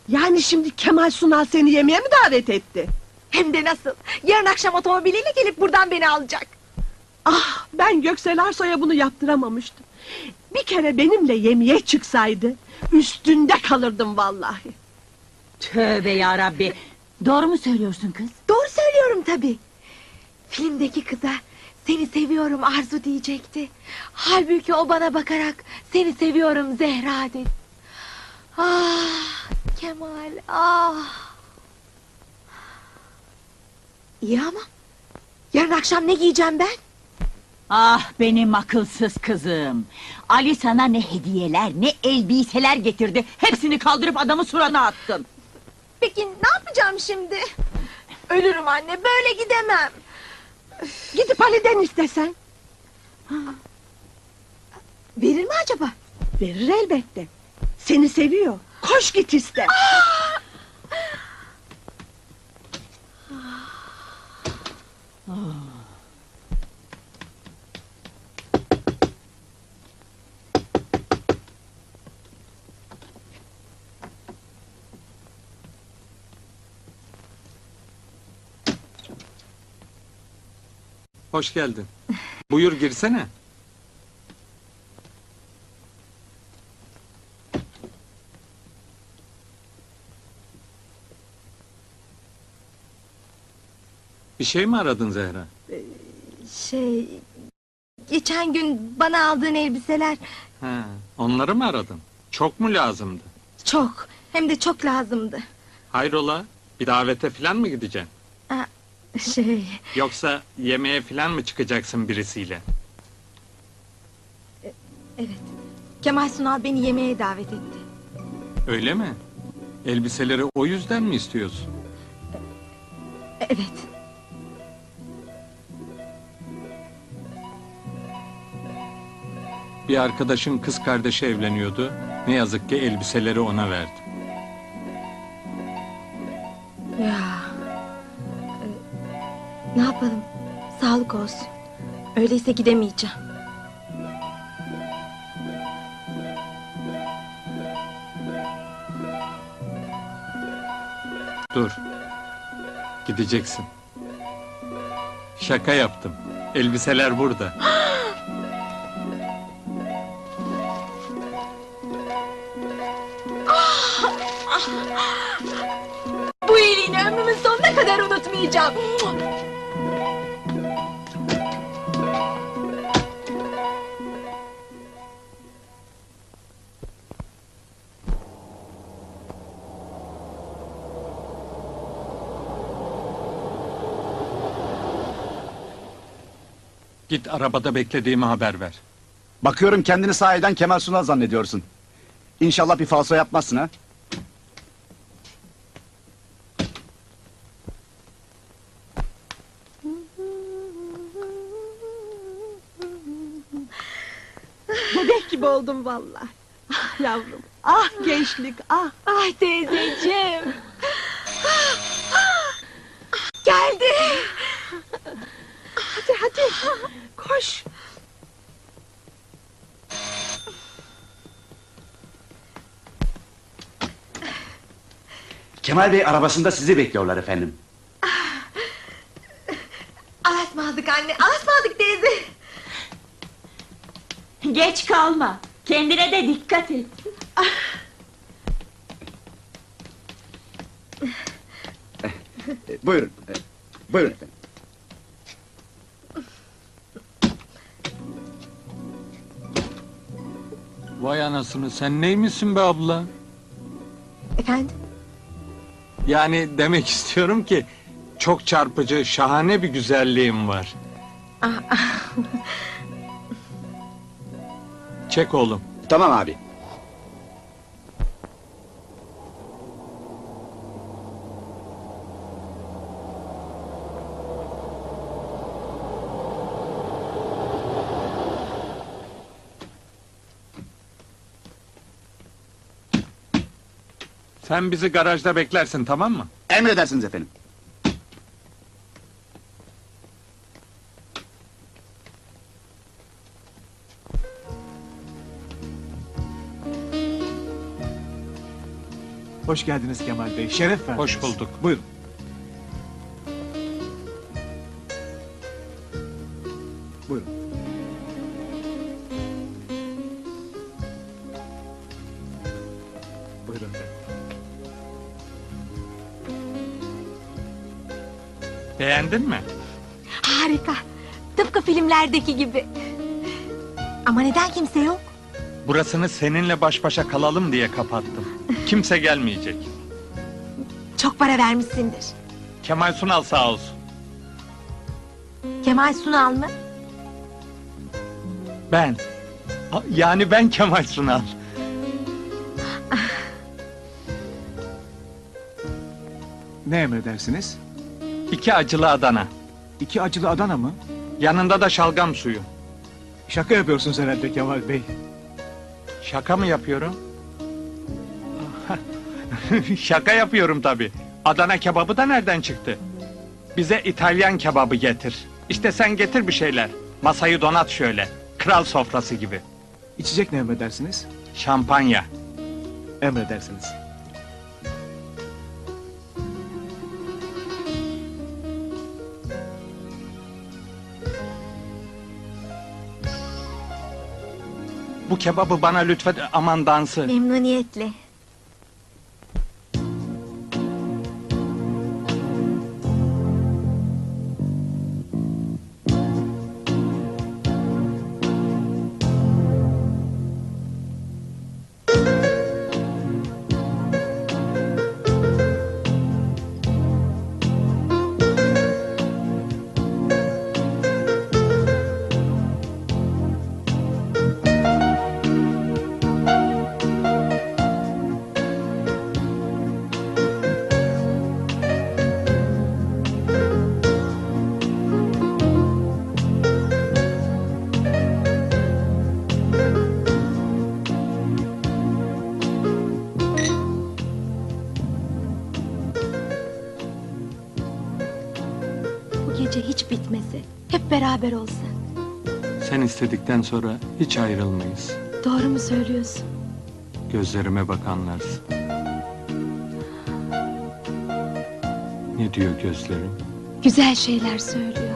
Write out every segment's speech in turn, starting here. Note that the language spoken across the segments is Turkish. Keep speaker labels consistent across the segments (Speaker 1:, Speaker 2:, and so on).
Speaker 1: Yani şimdi Kemal Sunal seni yemeğe mi davet etti?
Speaker 2: Hem de nasıl? Yarın akşam otomobiliyle gelip buradan beni alacak.
Speaker 1: Ah, ben Göksel Arsoy'a bunu yaptıramamıştım. Bir kere benimle yemeğe çıksaydı üstünde kalırdım vallahi.
Speaker 3: Tövbe yarabbi! Doğru mu söylüyorsun kız?
Speaker 2: Doğru söylüyorum tabii. Filmdeki kıza seni seviyorum Arzu diyecekti. Halbuki o bana bakarak seni seviyorum Zehra dedi. Ah Kemal, ah. İyi ama yarın akşam ne giyeceğim ben?
Speaker 3: Ah benim akılsız kızım! Ali sana ne hediyeler, ne elbiseler getirdi. Hepsini kaldırıp adamın surana attın.
Speaker 2: Peki ne yapacağım şimdi? Ölürüm anne, böyle gidemem.
Speaker 1: Gidip Ali'den istesen.
Speaker 2: Verir mi acaba?
Speaker 1: Verir elbette. Seni seviyor. Koş git iste.
Speaker 4: Hoş geldin. Buyur girsene. Bir şey mi aradın Zehra?
Speaker 2: Geçen gün bana aldığın elbiseler
Speaker 4: Ha, onları mı aradın? Çok mu lazımdı?
Speaker 2: çok, hem de çok lazımdı.
Speaker 4: Hayrola? Bir davete falan mı gideceksin?
Speaker 2: Aa,
Speaker 4: Yoksa yemeğe falan mı çıkacaksın birisiyle?
Speaker 2: evet. Kemal Sunal beni yemeğe davet etti.
Speaker 4: Öyle mi? Elbiseleri o yüzden mi istiyorsun?
Speaker 2: Evet.
Speaker 4: Bir arkadaşın kız kardeşi evleniyordu. Ne yazık ki elbiseleri ona verdim.
Speaker 2: Ya. Ne yapalım? Sağlık olsun. Öyleyse gidemeyeceğim.
Speaker 4: Dur. Gideceksin. Şaka yaptım. Elbiseler burada.
Speaker 2: Bu iyiliğini ömrümün sonuna kadar unutmayacağım.
Speaker 4: Git arabada beklediğimi haber ver.
Speaker 5: Bakıyorum kendini sahiden Kemal Sunal zannediyorsun. İnşallah bir falso yapmazsın ha?
Speaker 1: Bebek gibi oldum vallahi. Ah yavrum, ah gençlik, ah.
Speaker 2: Ay teyzeciğim. Geldi.
Speaker 1: Hadi hadi, koş.
Speaker 5: Kemal Bey arabasında sizi bekliyorlar efendim.
Speaker 2: Alasmadık anne, alasmadık teyze.
Speaker 3: Geç kalma! Kendine de dikkat et!
Speaker 5: Buyurun, buyurun efendim.
Speaker 4: Vay anasını, sen neymişsin be abla?
Speaker 2: Efendim?
Speaker 4: Yani demek istiyorum ki... ...çok çarpıcı, şahane bir güzelliğim var. Çek oğlum.
Speaker 5: Tamam abi.
Speaker 4: Sen bizi garajda beklersin, tamam mı?
Speaker 5: Emredersiniz efendim.
Speaker 6: Hoş geldiniz Kemal Bey. Şeref verdiniz.
Speaker 4: Hoş bulduk.
Speaker 6: Buyurun. Buyurun. Buyurun.
Speaker 4: Beğendin mi?
Speaker 2: Harika. Tıpkı filmlerdeki gibi. Ama neden kimse yok?
Speaker 4: Burasını seninle baş başa kalalım diye kapattım. Kimse gelmeyecek.
Speaker 2: Çok para vermişsindir.
Speaker 4: Kemal Sunal sağ olsun.
Speaker 2: Kemal Sunal mı?
Speaker 4: Ben. Yani ben Kemal Sunal.
Speaker 6: Ne emredersiniz?
Speaker 4: 2 acılı Adana.
Speaker 6: 2 acılı Adana mı?
Speaker 4: Yanında da şalgam suyu.
Speaker 6: Şaka yapıyorsunuz herhalde Kemal Bey.
Speaker 4: Şaka mı yapıyorum? Şaka yapıyorum tabii. Adana kebabı da nereden çıktı? Bize İtalyan kebabı getir. İşte sen getir bir şeyler. Masayı donat şöyle. Kral sofrası gibi.
Speaker 6: İçecek ne emredersiniz?
Speaker 4: Şampanya.
Speaker 6: Emredersiniz.
Speaker 4: Bu kebabı bana lütfen aman dansı.
Speaker 2: Memnuniyetle. Bu gece hiç bitmese, hep beraber olsak.
Speaker 4: Sen istedikten sonra hiç ayrılmayız.
Speaker 2: Doğru mu söylüyorsun?
Speaker 4: Gözlerime bak anlarsın. Ne diyor gözlerim?
Speaker 2: Güzel şeyler söylüyor.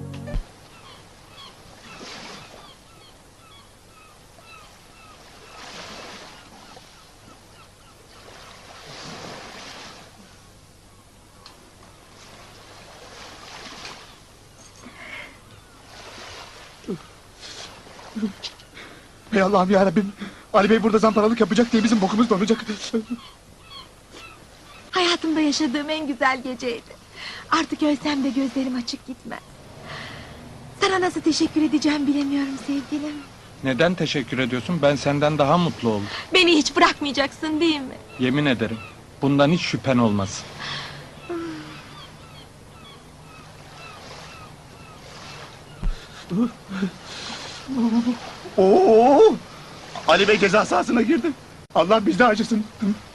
Speaker 5: Ey Allah'ım yarabbim. Ali Bey burada zamparalık yapacak diye bizim bokumuz donacak.
Speaker 2: Hayatımda yaşadığım en güzel geceydi. Artık ölsem de gözlerim açık gitmez. Sana nasıl teşekkür edeceğim bilemiyorum sevgilim.
Speaker 4: Neden teşekkür ediyorsun? Ben senden daha mutlu oldum.
Speaker 2: Beni hiç bırakmayacaksın değil mi?
Speaker 4: Yemin ederim. Bundan hiç şüphen olmasın.
Speaker 5: Oo! Ali Bey ceza sahasına girdi. Allah bizde acısın.